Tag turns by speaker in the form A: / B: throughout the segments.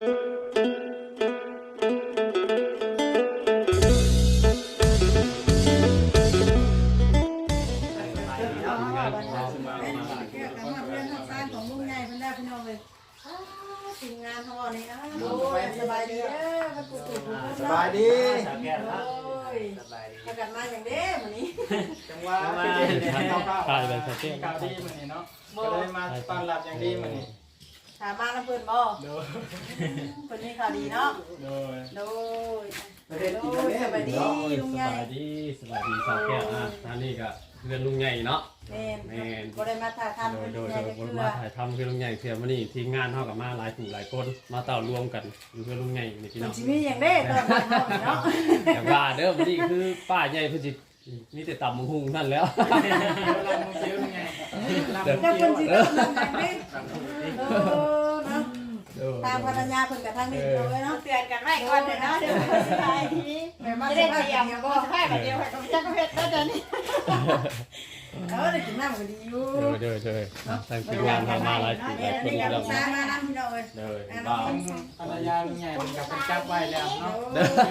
A: ทีมงานเขาเนี่ยสบายดีมันกูถูก
B: สบายดี
A: ถ้ากันมาอย่างเด้วันนี้
B: จังหวะถ่ายแบบสเก็ตข่าวดีเหมือนนี้เนาะก็ได้มาต้อนรับอย่างดีเหมือนนี้
A: ถามมาแล้วเพื่อนบ่คนนี้ข่าวดีเนาะโดยสบายดีลุงใหญ่
C: สบายดีสาวแก้วนั่นนี่ก็เพื่อนลุงใหญ่เนาะ
A: แม่ก็ได้มาถ่ายทำ
C: โดยมาถ่ายทำเพื่อนลุงใหญ่เพื่อนวันนี้ทีมงานเท่ากับมาหลายกลุ่มหลายคนมาต่อรวมกันอยู่เพื่อนลุงใหญ่ในพี่น้อง
A: ชีวิตอย่างเด้ตอนเนาะ
C: แต่ว่าเด้อวันนี้คือป้าใหญ่เพื่อนจิมีแต่ต่ำมังหุงนั่นแล้ว
B: เราโมเดลไง
A: แล้วคนจีนอย่างเด้ตามภรรยาคนกับทางนี้เลยเนาะ
D: เตือนกันไว้ก่อนเลยเนาะเดี๋ยวไปสิไปทีไม่ได้เตรียมก็ให้แบบเดียวให้กับเจ้าเพชรก็จะนี่
A: ได้กินน้ำก็ดีอยู่
C: เด้อทางทีมงานทำมาหลายกลุ่มหลายคน
A: นี่
C: แล้
A: กับ
C: ว
A: น้ำมาน้ำพี่น้อย
C: เด้อบ้า
B: ภรรยาลุงใหญ่เป็นกับเป็นจับไว้แล้วเนาะ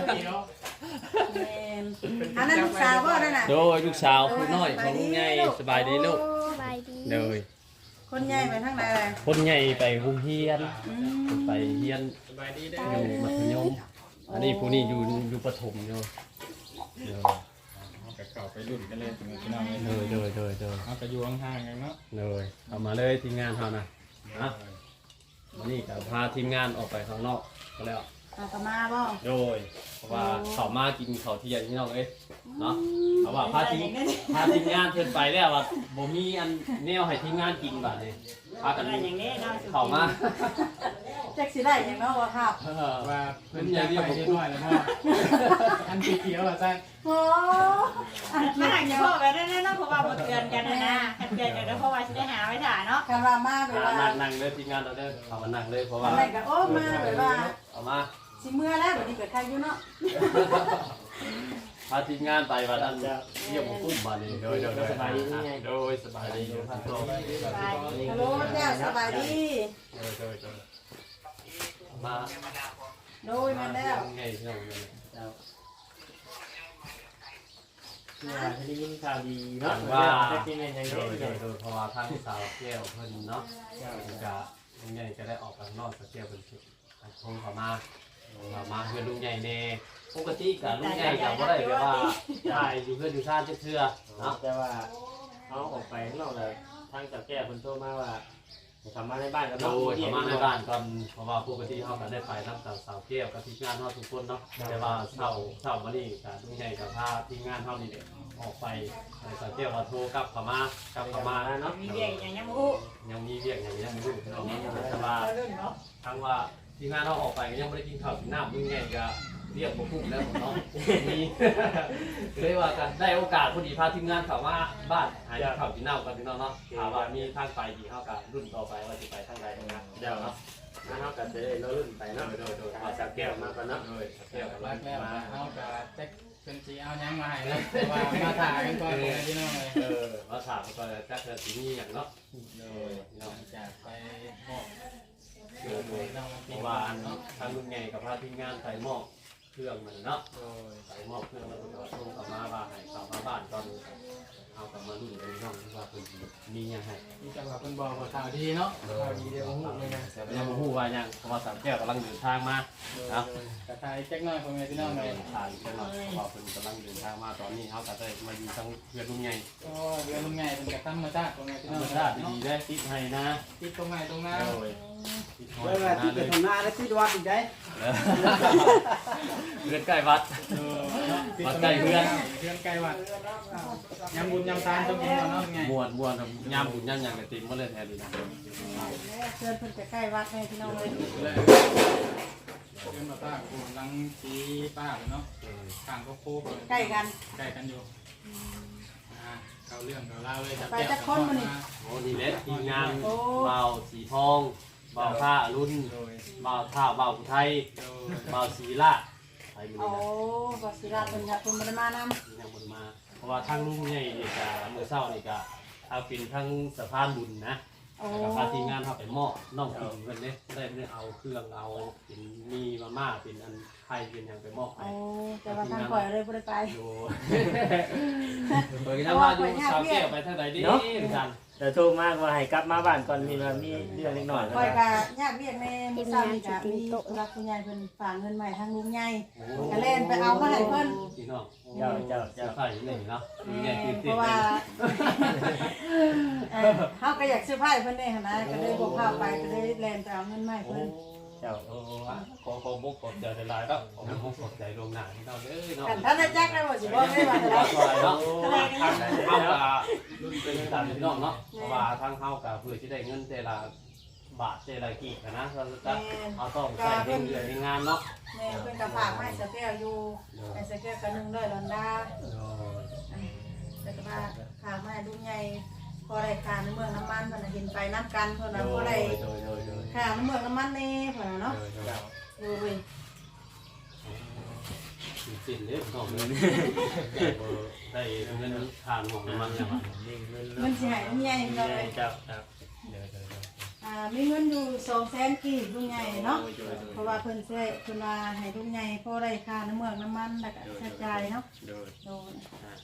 A: อันนั้นลูกสาวก็นั่นน่ะ
C: โดยลูกสาวผู้น้อยของลุงใหญ่สบายดีลูก
E: สบายดี
C: เด้อ
A: คนใหญ่ไปทางไหนเลย
C: คนใหญ่ไปโรงเรียนไปเรียน
B: สบายดีได้
C: อยู่มัธยมอันนี้ผู้นี้อยู่ประถมอยู่
B: กับเก่าไปรุ่นกันเลยถึงพี่น้องเลย
C: โดย
B: เอาไปอยู่ห่างๆกันเนาะ
C: เลยเอามาเลยทีมงานเขานะวันนี้ก็พาทีมงานออกไปข้างนอกก็แล้ว
A: ตามาบ่
C: โดยเพราะว่าเขามากินเขาเที่ยงที่น้องเอ้ยเนาะเอาว่าพาทีมงานเทินไปแล้วว่าบ่มีอันแนวให้ทีมงานกินแบบนี้พากัน
D: อย่างนี้เนาะ
C: เข้ามา
A: แจ็คสิได้ยังเนาะว่าครับ
B: ว่าเพิ่นจะไปเรียบร้อยแล้วพ่ออันสีเขียวอ่ะจ้า
A: โอ้
D: มาหาพ่อกันได้เนาะเพราะว่าบ่เตือนกันนะเตือนกันเพราะว่าสิได้หาไว้ถ่าเนาะ
A: คารามาแบบว่า
C: นั่งเลยทีมงานเราเด้อเขามานั่งเลยเพราะว่า
A: อะไรก็โอ้มาแบบว่า
C: เอามา
A: สิเมื่อแล้วบัดนี้เกิดใครอยู่เนาะ
C: พาทีมงานไปวันนั้นเยี่ยมกุ้มมาเลยโดยสบายดีโดยสบายดีท่านโต
A: ฮัลโหลเจ้าสบายดี
C: โดยมา
A: โดยมาแล้ว
C: ไงที่เราเนี่ย
F: ได้ยินข่าวดีเนาะ
C: ว่า
F: ได้กินอะไรอย่าง
C: โด
F: เงี้
C: ยเพราะว่าทางสาวแก้วเพิ่นเนาะจะลุงใหญ่จะได้ออกไปนอกสาวแก้วเพิ่นคงเขามาเพื่อนลุงใหญ่เน่ปกติกับลุงใหญ่กับว่าได้แบบว่าถ่ายอยู่เพื่อนอยู่ซ่านเชื่อเนาะ
F: แต่ว่าเขาออกไปข้างนอกเลยทางจากแก้คนโทรมาว่าทำมาในบ้านกัน
C: โดยเขามาในบ้านก่อนเพราะว่าปกติเขาก็ได้ไปทั้งสาวแก้วกับทีมงานเขาทุกคนเนาะแต่ว่าเช้ามานี่กับลุงใหญ่กับพาทีมงานเขานี่เด็กออกไปสาวแก้วมาโทรกลับเขามาเนาะ
D: มีเรื่องอย่างยังบ่ฮู้
C: ยังมีเรียกอย่างนี้ยังไม่รู้เนาะแต่ว่า
D: เนาะ
C: ทั้งว่าทีมงานเราออกไปยังไม่ได้กินข้าวกินน้ำลุงใหญ่ก็เรียกผมพุ่งแล้วเนาะมีเลยว่ากันได้โอกาสพอดีพาทีมงานเขามาบ้านหาข้าวกินน้ำกันพี่น้องเนาะถามว่ามีทางไปดีเท่ากับรุ่นต่อไปว่าจะไปทางใดนะเดี๋ยวเนาะ
F: มาเท่ากันจะได้เรารุ่นไปเนาะ
C: โดย
F: เอาจากแก้วมากันเนาะ
C: แก้ว
B: รักแล้วเอากับแจ็คเป็นสีเอายังมาให้แล้วว่ามาถ่ายกันก่อนเลยพี่น้องเลย
C: มาถามก็จะเกิดสีนี้อย่างเนาะ
B: โดยจากไปมอบ
C: เพราะว่าทางลุงใหญ่กับพาทีมงานไปมอบเครื่องมันเนาะ
B: โดย
C: ไปมอบเครื่องแล้วก็ส่งกลับมาบ้านให้กลับมาบ้านก่อนเอากลับมารุ่นเลยน้องว่าเพิ่นมียังไง
B: มีจังหวะเป็นบอกว่าข่าวดีเนาะข่าวดีเดี๋ยวหูเลยนะ
C: ยังบ่ฮู้ว่ายังเพราะว่าสามแก้วกำลังเดินทางมาเนาะ
B: กระทายแจ็คน้อยคนไงพี่น้องเลย
C: ทางจังหวัดเพราะว่าเพิ่นกำลังเดินทางมาตอนนี้เฮาก็ได้มาอยู่ทั้งเพื่อนลุงใหญ่
B: ก็เรือลุงไงเป็นกระตั้งมาจ้าคนไงพี่
C: ธร
B: น้อง
C: รมชาติดีได้ติดให้นะ
B: ติดตรงไหนตรงนั้น
C: โดยติดหอ
F: เวย ลาที่ไปทำหน้าแล้วที่วัดอีกได้
C: เพื่อนใกล้วัด วัดใกล้เพื่อน
B: เพื่อนใกล้วัดยำบุญยำทานต้องกินเอาเนาะไง
C: ม่วนยามบุญยามหยังก็ติมบ่เลยแท้ดีนะ
A: เพื่อนเพิ่นจะใกล้วัดแม่พี่น้องเลย
B: เลยเพื่อนมาป้ากูลังชี้ป้าเลยเนาะข้างก็โค้ง
A: ใกล้กัน
B: ใกล้กันอยู่เขาเรื่องเขาเล่าเลย
C: โอ้นี่เล็ดทีมงานเบาสีทองเบาผ้ารุ่น
B: โดย
C: เบาท่าเบาผู้ไทย
B: โดย
C: เบาสีละไปมื้
A: โอ้
C: อนี้นะ
A: ก็สิราเพิ่นค่ะเพิ่นบ่ได้มานำ
C: ยังบ่มาเพราะว่าทางลุงใหญ่นี่ก็มื้อเช้านี่ก็เอาเป็นทางสะพานบุญนะพาทีมงานเขาไปมอบน้องกินเพิ่นเนี่ยได้เอาเครื่องเอาเป็นมีมาม่าเป็นอันไข่เป็นอย่างไปมอบให้
A: แต่ว่าทางข่อยเลยบ่ได้ไป
C: ดูเปิดกันว่าดูสาวแก้วไปทางไหนดีกัน
F: แต่โทรมากว่าให้กลับมาบ้านก่อนมีว่ามีเรื่องเล็กน้อย
A: ข่อยก็ญาติเรียกแม่มื้อเช้านี่ก็มีรักคุณยายเพิ่นฝากเงินมาให้ทางลุงใหญ่ก็เล่นไปเอามาให้เพิ่น
C: พี่น้อง
F: เจ้า
C: ใส่นี่เนาะใหญ่ตื่น
A: เพ
C: เต้น
A: ราะว่าเฮาก็อยากซื้อไผ่เพิ่นนี่หั่นนะก็เลยบ่พาไปก็เลยแล่นไปเอาเงินมาให้เพิ่น
F: เจ้า
C: ขอมุกขอบใจหลายๆแล้วขอมุกขอบใจลงหน้าให้เราเด้อเนาะ
A: กันท่านได้แจ็คได้บ่สิบ่ได้ว่าแต่ละ
C: เนาะทางเฮากับรุ่นเป็นตามพี่น้องเนาะเพราะว่าทางเฮากับเพื่อที่ได้เงินแต่ละบาทแต่ละกี่นะเราจะเอาต้องใส่เงินเดือนในงานเนาะ
A: แม่เพิ่นก็ฝากมาให้สแก้วอยู่ให้สแก้วก็100ดอลลาร์แล้วก็ว่าฝากมาให้ลุงใหญ่พอได้ค่าน้ำเมืองน้ำมันเพิ่นเห็นไปนับกันเพิ่นน่ะบ่ได้ค่าน้ำเมืองน้ำมันแน่เพิ่นเนาะโอ้ย
C: สิ้นเด้อน้องเลยได้เงินทานของมันอย่างไร
A: มันสิให้ลุงใหญ่เนาะ
F: เจ้า
A: มีเงินอยู่200,000กีบลุงใหญ่เนาะเพราะว่าเพิ่นสิเพิ่นว่าให้ลุงใหญ่พอได้ค่าน้ำเมืองน้ำมันแล้วก็ใช้จ่ายเนาะโดน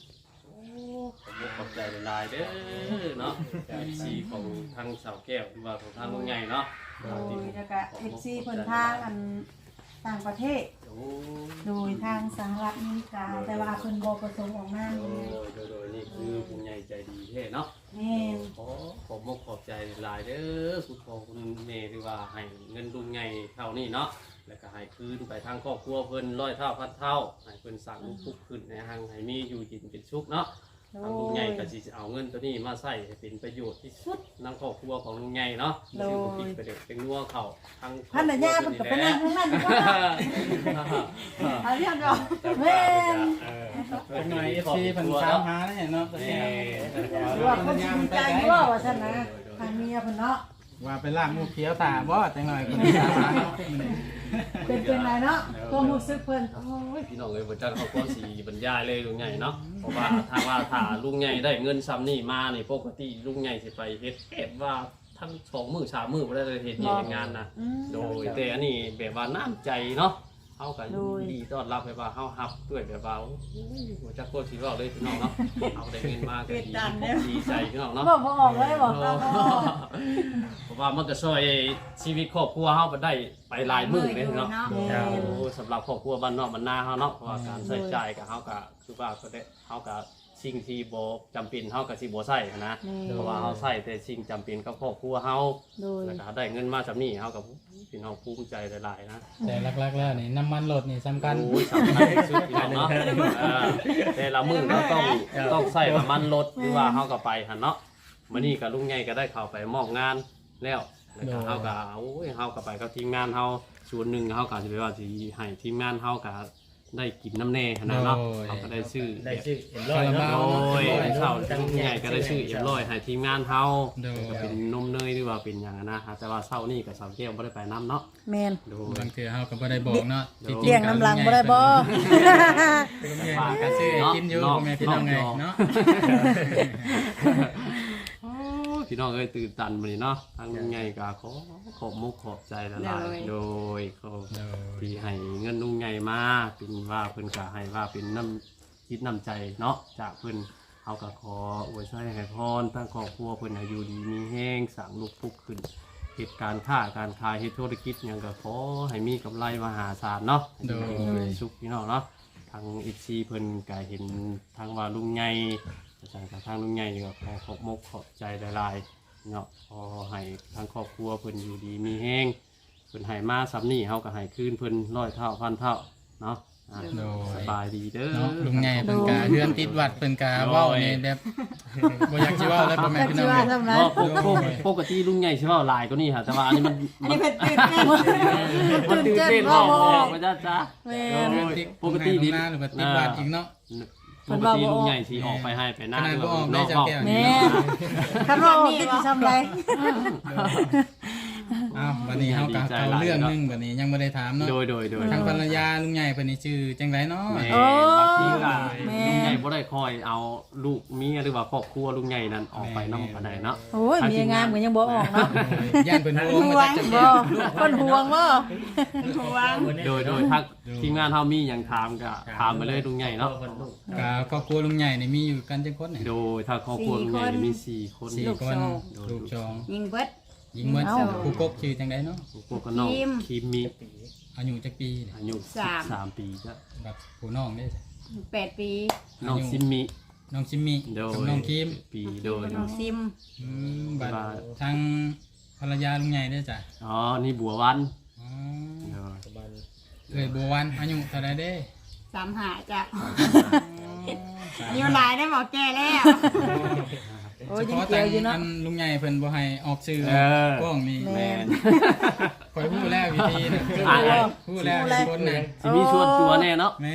C: ขอบใจหลายเด้อเนาะสีของทางสาวแก้วหรือว่าของทางลุงใหญ่เนาะ
A: โดยแล้วก็ FC เพิ่นทางอันต่างประเทศโดยทางสหรัฐอเมริกาแต่ว่าเพิ่นบ่ประสงค์ออกนาม
C: โดยนี่คือผู้ใหญ่ใจดีแท้เนาะ
A: แม่น
C: ขอบมกขอบใจหลายเด้อคุณพ่อคุณแม่ที่ว่าให้เงินลุงใหญ่เท่านี้เนาะแล้วก็ให้คืนไปทางครอบครัวเพิ่น100 เท่าพันเท่าให้เพิ่นสร้างทุกขึ้นในทางให้มีอยู่กินเป็นสุขเนาะทางลุงใหญ่ก็สิเอาเงินตัวนี้มาใช้ให้เป็นประโยชน์ที่สุดในครอบครัวของลุงใหญ่เนาะคือบ่คิดไปเด็กเป็นนัวเข้าทาง
A: พันธญาเพิ่นก็ไปนั่งข้างนั้นก็หาเรื่องดอกแม่น
B: เป็นหน่อย FC เพิ่นถามหาแล้วเนาะตอนนี้
A: ว่าคนสิดีใจอยู่ว่าซั่นนะทางเมียเพิ่นเนาะ
B: ว่าไปล่างมูเขียวตาบ่จังหน่อยคนถามหาเนาะ
A: เป็นไรเนาะความรู้สึกเพิ่น
C: โอ้ยพี่น้องเอ้ยบ่จักเขาก็สิบรรยายเลยลุงใหญ่เนาะเพราะว่าถ้าลุงใหญ่ได้เงินซ้ำนี่มานี่ปกติลุงใหญ่สิไปเฮ็ดว่าทั้ง2 มื้อ 3 มื้อบ่ได้เลยเฮ็ดงานนะโดยแต่อันนี้แบบว่าน้ำใจเนาะเฮาก็ดีต้อนรับแบบว่าเฮารับด้วยแบบว่าบ่จักโคตรสิเว้าเลยพี่น้องเนาะเอาได้เงินมาก็ดีใจพี่น้องเนาะ
A: บ่ออกเลยบอกตามบ่ออก
C: เพราะว่ามันก็ช่วยชีวิตครอบครัวเฮาได้ไปหลายมื้อเลยเนาะสำหรับครอบครัวบ้านนอกบ้านนาเฮาเนาะเพราะว่าการใช้จ่ายกับเฮาก็คือว่าก็ได้เฮาก็สิ่งที่บ่จำเป็นเฮาก็สิบ่ใช้นะเพราะว่าเฮาใช้แต่สิ่งจำเป็นกับครอบครัวเฮาแล้วก็ได้เงินมาจำนี้เฮาก็พี่น้องภูมิใจหลายๆนะ
B: แต่หลักๆแล้วนี่น้ำมันรถนี่สำคัญ
C: โอ้ยสำคัญที่สุดพี่น้องเนาะแต่ละมื้อเราต้องใช้น้ำมันรถหรือว่าเฮาก็ไปหั่นเนาะมื้อนี้ก็ลุงใหญ่ก็ได้เข้าไปมอบงานแล้วก็เฮาก็โอ้ยเฮาก็ไปกับทีมงานเฮาส่วนหนึ่งเฮาก็สิไปว่าสิให้ทีมงานเฮาก็ได้กินน้ำแน่ขนาดเนาะเฮาก็ได้ซื้อ
F: ได้ชื่อเอ็มร้อยเนาะ
C: โอ้ยเช้าลุงใหญ่ก็ได้ซื้อเอ็มร้อยให้ทีมงานเฮาก็เป็นนมเนยหรือว่าเป็นหยังนะแต่ว่าเช้านี้ก็สาวแก้วบ่ได้ไปน้ำเนาะ
A: แม่น
C: โดย
B: บางทีเฮาก็บ่ได้บอกเนาะ
A: เลี้ยงน้ำหลังบ่ได้บ่
B: ฝากกันซื้อกินอยู่พ่อแม่พี่น้องไงเนาะ
C: พี่น้องเอ้ยตื่นตันมื้อนี้เนาะทางลุงใหญ่ก็ขอบมุกขอบใจหลายๆโดยเขาที่ให้เงินลุงใหญ่มาเป็นว่าเพิ่นก็ให้ว่าเป็นน้ำคิดน้ำใจเนาะจากเพิ่นเฮาก็ขออวยชัยให้พรทั้งครอบครัวเพิ่นให้อยู่ดีมีแห้งสร้างลูกพุกขึ้นเหตุการณ์ค้าการขายเฮ็ดธุรกิจหยังก็ขอให้มีกำไรมหาศาลเนาะโดยสุขพี่น้องเนาะทาง FC เพิ่นก็เห็นทางว่าลุงใหญ่อาจารย์กับทางลุงใหญ่ก็ขอขอบมุกขอบใจหลายๆเนาะขอให้ทางครอบครัวเพิ่นอยู่ดีมีแห้งเพิ่นให้มาซ้ำนี่เฮาก็ให้คืนเพิ่น100 เท่าพันเท่าเนาะสบายดีเด้อ
B: เนาะลุงใหญ่เพิ่นกะเฮือนติดวัดเพิ่นกะเว้านี่แบบบ่อยากสิเว้าแล้วพ่อแม่พี่น้อง
C: ปกติลุงใหญ่ใช่เปล่าลายก็นี่ค่ะแต่ว่าอันนี้มัน
A: อันนี้เพิ่นตื่นเต้น
C: มันตื่นเต้นออกมาจ้าจ้า
A: แม่
C: ปกติดี
B: หน้าหรือว่าติดวัดอีกเนาะ
C: ปกติลุงใหญ่สีออกไปให้ไปหน้า
B: ขนาดบ่ออกได้จักแก้ว
A: แม่คันว่าออกสิทำไร
E: อ้าววันนี้เฮาก็เอาเรื่องนึงบัดนี้ยังบ่ได้ถามเนาะ
C: โดย
E: ทางภรรยาลุงใหญ่เพิ่นนี่ชื่อจังไดเนาะ
C: แม่
D: โอ้
C: บางทีก็
D: แม่
C: ลุงใหญ่บ่ได้คอยเอาลูกเมียหรือว่าครอบครัวลุงใหญ่นั้นออกไปนำปานใดเนาะ
D: โอ้ยเมียงามก็ยังบ่ออกเนาะ
E: ย่านเพิ่นห่วง
D: ห่ว
E: ว่าง จะ
D: บ่คนห่วงบ่ห่วง
C: โดยทางทีมงานเฮามีหยังถามก็ถามมาเลยลุงใหญ่เนาะ
E: ก็ครอบครัวลุงใหญ่นี่มีอยู่กันจังคนเนี่ย
C: โดยทางครอบครัวลุงใหญ่มี4คน
E: สี่คนลูกสอง
D: ยิงเบิด
E: หญิงเมื่อผู้กกชื่อจังไดเนาะ
C: พวกก็น้องคิมมี
E: อายุจักปีเนี่ย
C: อายุ13ปีจ้ะ
E: แบบผู้น้องได้
D: 8 ปี
C: น้องซิมมิ
E: น้องซิมมี่
C: โดย
E: กับน้องคิม
C: ปีโดย
D: น้องซิม
E: บัดทางภรรยาลุงใหญ่ได้จ้ะ
C: อ๋อนี่บัววัน
E: อ๋อ
C: โดย
E: เอ้ยบัววันอายุเท่าไรเด้
D: 35จ้ะอายุหลายได้บอกแก่แล้วโอ้ย
E: เฉ
D: ยัง
E: พาะ
D: เกี่
E: ทา
D: ยว
E: ง
D: อยู่เนาะ
E: อันลุงใหญ่เพิ่นบ่ให้ออกชื่อ
C: เออก
E: ล้องนี่
C: แม่น
E: คอยพูดแล้ววิธีนะ
C: อ่ะ
E: พูดแล้วคนน่ะ
C: สิมีชวนตัวแน่เนาะ
E: แม่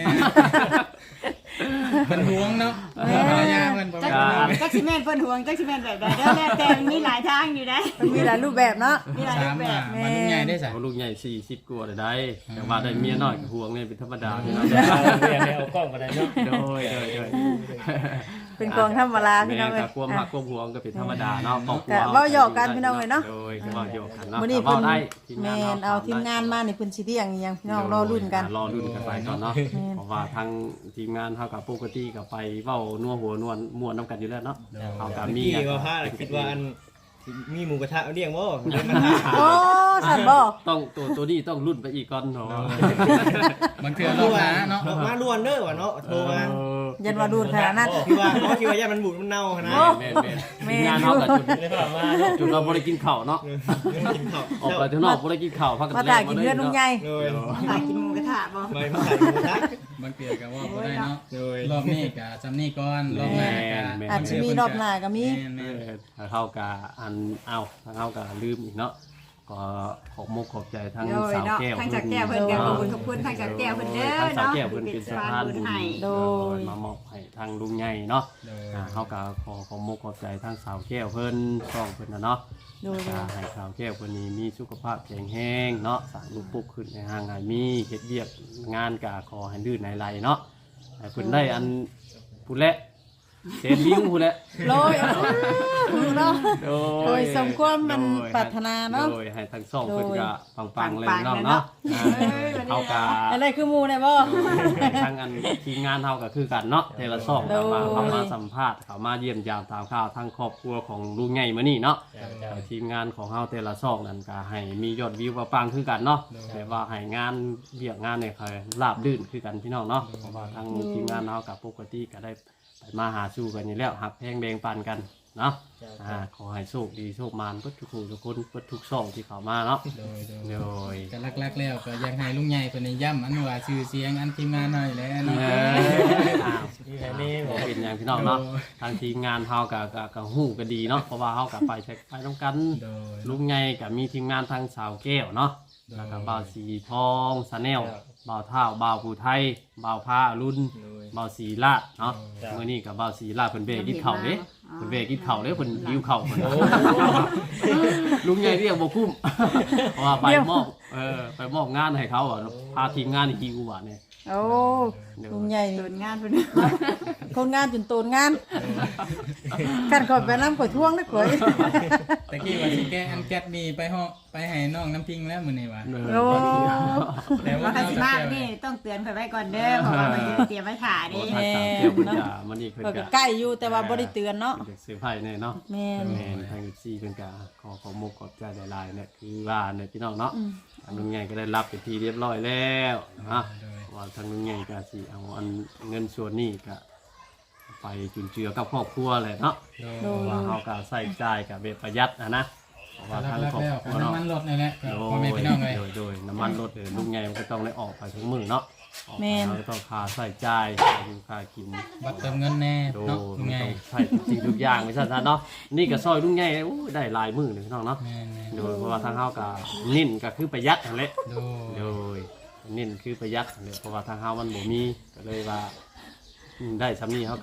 E: เพิ่นห่วงเนาะภรรยาเพิ่นบ่
D: จัก
E: ห่วง
D: จักสิแม่นเพิ่นห่วงจักสิแม่นแบบใดเด้อแล้วแต่มันมีหลายทางอยู่ได้
A: มีหลายรูปแบบเนาะ
D: มีหลายรู
E: ถาม
D: ปแบ
E: ว่า
D: บ
E: มาลุงใหญ่ได้จ้ะ
C: เอาลูกใหญ่40กว่าได้แต่ว่าได้เมียน้อยก็ห่วงนี่เป็นธรรมดาพี่น้อง
F: เอากล้องมาได้เนาะ
C: โดย
A: เป็นกองธรรมดาพี่น้อง
C: แม่
A: เอ้ย
C: ก็ความหักความห่วงก็เป็นธรรมดาเนาะครอบครัว
A: แต่เว้าหยอกกันพี่น้องเอ้ยเนาะ
C: โดยเว้าหยอกกันเนาะ
A: มื้อนี้
C: เว้า
A: เพิ่น
C: ได้ทีม
A: แม่
C: งาน
A: นเอาทีมงานมานี่เพิ่นสิเที่ยงอีหยังพี่น้องรอรุ่นกัน
C: รอรุ่นกันไปก่อนเนาะเพราะว่าทางทีมงานเฮากับปกติก็ไปเว้านัวหัวนวลม่วนนํกันอยู่แล้วเนาะเฮาก็มี
G: พี่ว่าพลาดคิดว่าอันมีหมูกระทะเลี้ยงบ่เลี้ยงกระทะ
A: โอ้สั่นบ่
C: ต้องตัวนี้ต้องรุ่นไปอีกก่อนเนาะ
E: บางเทื่อรอบหน้าเนาะ
G: ดอกมาล้วนเด้อว่ะเนาะโทรมา
A: ยันว่าดูดขนาดนั้น
G: คิดว่าคิดว่าย่ามันบูดมันเน่าขนาด
C: แม่นทีมงานเฮาก็จุด
F: ได้ผ่านมา
C: จุดเราบ่ได้กินข้าวเนาะ
G: กินข้าว
C: ออกไปข้างนอกบ่ได้กินข้าวพักกัน
A: มา
C: แล้
A: ถ่ายว กินเพื่อนลุงใหญ่
G: เลย
D: หากินหมูกระทะบ่
G: ไม่มาใส่หมูกระทะ
E: บางเทื่อก็ว่าบ่ได้เนาะ
G: เลย
E: รอบนี้ก็จำนี่ก่อนรอบหน้าก็
A: อาจจะมีรอบหน้าก็มี
E: แม่น
C: ถ้าเฮาก็อันเอาทางเฮาก็ลืมอีกเนาะก็ขอบมุกขอบใจทั้ง
D: โดย
C: สาว
D: เนาะ
C: แก้ว
D: ทั้งจากแก้วเพิ่นก็ขอบคุณทางจากแก้วเพิ่นเด้อ
C: ทั้งสาว
D: เนาะ
C: แก้วเพิ่นเป็นสะพานบุญ
D: ให้
A: โดย
C: มามอบให้ทางลุงใหญ่เนาะ
E: โดย
C: เฮาก็ขอมุกขอบใจทั้งสาวแก้วเพิ่นช่องเพิ่นนะเนาะ
A: โดย
C: ก็ให้สาวแก้วเพิ่นนี้มีสุขภาพแข็งแรงเนาะสร้างลูกปุ๊กขึ้นในห่างหายมีเฮ็ดเวียกงานก็ขอให้ลื่นในไหลเนาะให้เพิ่นได้อันผู้และเซนวิวผู้และ
A: โรยเนาะ โดยสมความมัน
C: โดย
A: ปรารถนาเนาะ
C: โดยให้ทั้งสองเพิ่นก็ปังๆเลย
D: ปังๆ
C: เนาะ
D: เลย
C: เนาะ
D: เนาะ
C: เฮาก็
A: อะไรคือหมูเนี่ยบ่
C: ทางอันทีมงานเฮาก็คือกันเนาะเทละสอง
A: โดย
C: เข้ามาสัมภาษณ์เข้ามาเยี่ยมยามตามข่าวทางครอบครัวของลุงใหญ่มื้อนี้เนาะทีมงานของเฮาแต่ละสองนั่นก็ให้มียอดวิวปังๆคือกันเนาะแต่ว่าให้งานเวียกงานเนี่ยคือราบรื่นคือกันพี่น้องเนาะเพราะว่าทางทีมงานเฮากับปกติก็ได้ไปมาหาสู่กันอยู่แล้วหักแพงแบ่งปันกันเนาะขอให้โชคดีโชคมานเบิดทุกผู้ทุกคนเบิดทุกช่องที่เข้ามาเนาะ
E: โดย
C: โดย
E: ก็ลักๆแล้วก็อยากให้ลุงใหญ่เพิ่นได้ย้ำอันว่าชื่อเสียงอันทีมงานหน่อยแหล้วเนาะ
C: อ้าว
F: นี่
C: บ่เป็นอย่างพี่น้องเนาะทางทีมงานเฮาก็ฮู้ก็ดีเนาะเพราะว่าเฮาก็ไปนำกัน
E: โดย
C: ลุงใหญ่ก็มีทีมงานทางสาวแก้วเนาะแล้วก็บ่าวสีทองสแนลบ่าวเท่าบ่าวผู้ไทยบ่าวผ้ารุ่นบ่าวสีลาดเนาะมื้อนี้ก็บ่าวสีลาดเพิ่นเบรกกินข้าวเด้เพิ่นเบรกกินข้าวเด้เพิ่นหิวข้าวเพิ่นลุงใหญ่เรียกบ่คุ้มเพราะว่าไปมอบงานให้เขาอ่ะพาทีมงานนี่หิวว่าเนี่ย
A: โอ้ลุงใหญ่นี่
D: โดนงานเพิ่น
A: คนงานจนโตนงานกันก่อนไปน้ำข่อยท่วงนะข่อย
E: ตะกี้ว่าสิแกอันแก๊สนี่ไปให้น้องน้ำพิงแล้วมื้อนี้ว่า
A: โอ้
E: แต่ว่า
D: ว่าคัน
E: เอา
D: สิ
E: แต่
D: มา
E: แก้ว
D: นี่ต้องเตือนเพิ่นไว้ก่อนเด้อเพราะว่ามันจะเตรียมไว้ถ่าเด้
C: ทางสาวแก้วเพิ่นก็มื้อนี้เพิ่น
A: ข่อย
C: ก็
A: ก็ใกล้อยู่แต่ว่าบ่ได้เตือนเนาะ
C: เด็กเสื้อผ้าเนี่ยเนาะ
A: แม่น
C: แม่นทางซีเพิ่นก็ขอมุกขอบใจหลายๆเนี่ยคือว่าเนี่ยพี่น้องเนาะทางลุงใหญ่ก็ได้รับเป็นที่เรียบร้อยแล้วนะว่าทางลุงใหญ่ก็สิเอาอันเงินส่วนนี้ก็ไปจุนเจือกับครอบครัวแหละเนาะ
E: โดย
C: ว่าเฮาก็ใส่จ่ายกับแบบประหยัดนะเพราะว่าทาง
E: ลัก
C: ครอบ
E: ๆแล้ว
C: ค
E: ก็
C: รัวเนาะ
E: น้ำมันรถนี่แหละก็
C: โด
E: พ่อแม่พี่น้องเลย
C: โดยน้ำมันรถลุงใหญ่มันก็ต้องได้ออกไปทุกมื้อเนาะออกไปเราก็ต้องค่าใส่จ่ายค่าอยู่ค่ากิน
E: บัตรเติมเงินแน่
C: โด
E: เนาะลุง
C: มัน
E: ใหญ่
C: ต้องใช้สิ่งทุกอย่างไม่ใช่เนาะนี่ก็ซอยลุงใหญ่โอ้ยได้หลายมื้อเลยพี่น้องเนาะ
E: แม่น
C: โดยเพราะว่าทางเฮาก็นิ่นก็คือประหยัดนั่นแหละ
E: ๆโด
C: โด
E: ย
C: ยนิ่นคือประหยัดนั่นแหละเพราะว่าทางเฮามันบ่มีก็เลยว่าได้สำนี้เฮาก็ขอ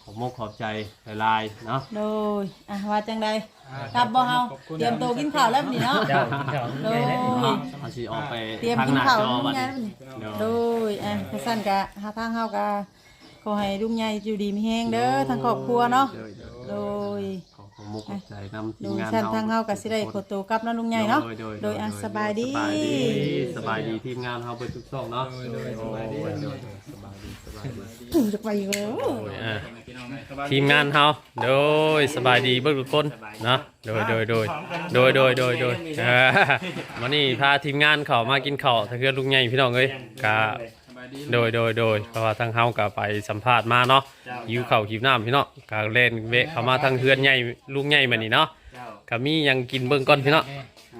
C: ผมมกขอบใจหลายๆเนาะ
A: โดยว่าจังใดกลับบ่เฮาเตรียมตัวกินข้าวแล้วนี่เนาะ
G: เจ้ากินข้าว
A: โดย
C: เอาสิออกไป
A: เตรียม
C: ทาง
A: กิน
C: หน้า
A: ข้าว
C: จอ
A: ลุง
C: บัด
A: ใหญ่
C: นี้
A: โดยกระสั่นกะหาทางเฮากะขอให้ลุงใหญ่อยู่ดีมีแฮงเด้อทางครอบครัวเนาะโดย
C: ผมมกขอบใจนำที
A: โด
C: ม
A: ย
C: งาน
A: ชั้นทางเฮาก็สิได้ขอตัวกลับเนาะลุงใหญ่เนาะโดยสบายดี
C: สบายดีทีมงานเฮาเปิดทุกช่องเนาะ
E: สบายดี
A: จะไปอีกแล้ว
C: ทีมงานเฮาโดยสบายดีเบิ่งทุกคนเนาะโดยวันนี้พาทีมงานเขามากินข้าวถ้าเกิดลุงใหญ่พี่น้องเอ้ยกะโดยเพราะว่าทางเฮาก็ไปสัมภาษณ์มาเนาะหิวข้าวหิวน้ำพี่น้องก็เล่นเวะเข้ามาทางเฮือนใหญ่ลุงใหญ่มานี่เนาะก็มีหยังกินเบิ่งก่อนพี่น้อง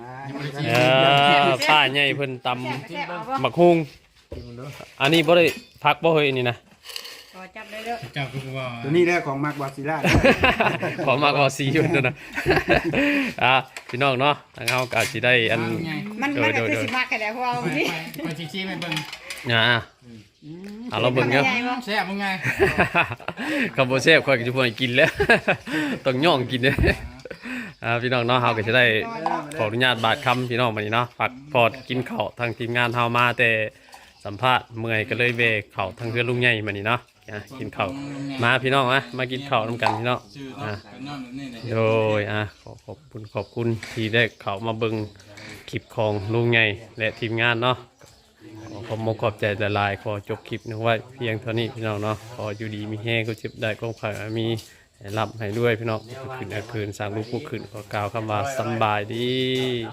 C: ป้าใหญ่เพิ่นตำบักฮุงอันนี้บ่ได้พักบ่เฮ้ยนี่นะ
D: ขอจับเลยเด้อ
E: เจ้าคือว่า
B: ตัวนี้แหละของมักวาซิล่า
C: ขอมากกว่าสีอยู่นะพี่น้องเนาะทางเฮาก็อาจสิได้อัน
D: มันก็คือสิมากแค่ไหนเพราะว่า
E: ไป
D: พี่
E: ไปชี้ไปเบิ่ง
C: เราเบิ่งเนาะ
E: แซ่บมึงไง
C: คำบ่แซ่บค่อยก็สิบ่ให้กินแล้ว ต้องย่องกินเด้พี่น้องเนาะเฮาก็จะได้ขออนุญาตบาดคำพี่น้องมานี่เนาะฝากพอดกินข้าวทางทีมงานเฮามาแต่สัมภาษณ์เมื่อยก็เลยเวะข้าวทางเพื่อนลุงใหญ่มานี่เนาะกินข้าวมาพี่น้องมากินข้าวนำกันพี่น้อง
E: ชื่อเนาะกันนอนแบบนี้เลย
C: โดยขอบคุณที่ได้เข้ามาเบิ่งคลิปของลุงใหญ่และทีมงานเนาะขอบใจหลายๆขอจบคลิปนี้ไว้เพียงเท่านี้พี่น้องเนาะขออยู่ดีมีแห้งก็เจ็บได้ก็ขอมีรับให้ด้วยพี่น้องคืนสร้างลูกผู้คืนขอกล่าวคำว่าสำบายดี